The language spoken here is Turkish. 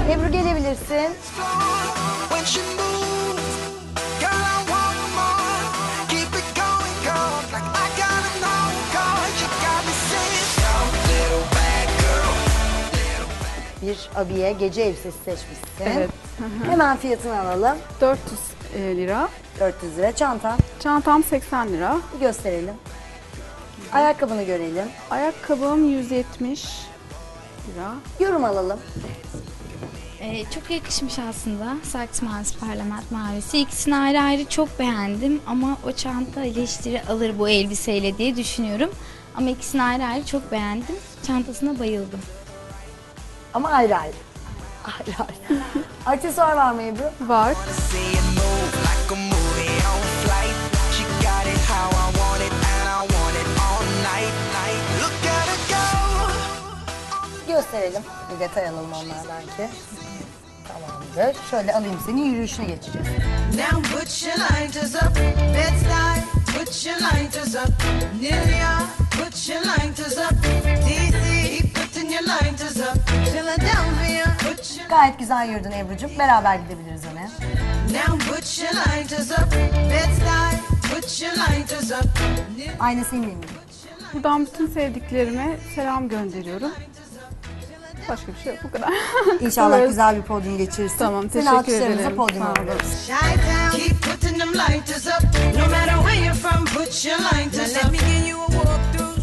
Ebru gelebilirsin. Bir abiye gece elbisesi seçmişsin. Evet. Hemen fiyatını alalım. 400 lira. 400 lira. Çantan. Çantam 80 lira. Bir gösterelim. Ayakkabını görelim. Ayakkabım 170 lira. Yorum alalım. Çok yakışmış aslında. Saks mavisi, parlament mavisi. İkisini ayrı ayrı çok beğendim ama o çanta eleştiri alır bu elbiseyle diye düşünüyorum. Ama ikisini ayrı ayrı çok beğendim. Çantasına bayıldım. Ama ayrı ayrı. Ayrı ayrı. Aksesuar var mı Ebru? Var. Gösterelim. Bir detay alalım onlardan ki. Tamamdır. Şöyle alayım seni, yürüyüşüne geçeceğiz. Now put your lighters up, Bed-Stuy, put your lighters up, New York, put your lighters up, DC, keep putting your lighters up, Philadelphia, put your... Gayet güzel yürüdün Ebru'cum. Beraber gidebiliriz öne. Now put your lighters up, Bed-Stuy, put your lighters up, Ayna seninle mi? Buradan bütün sevdiklerime selam gönderiyorum. Başka bir şey yok, bu kadar. İnşallah Evet. güzel bir podyum geçirirsin. Tamam, Seni teşekkür alkışlarımıza ederim. podyuma Sağ olun. alıyoruz. Chi-town, keep putting them lighters up, no matter where you're from, put your lighters up. Let me give you a walkthrough.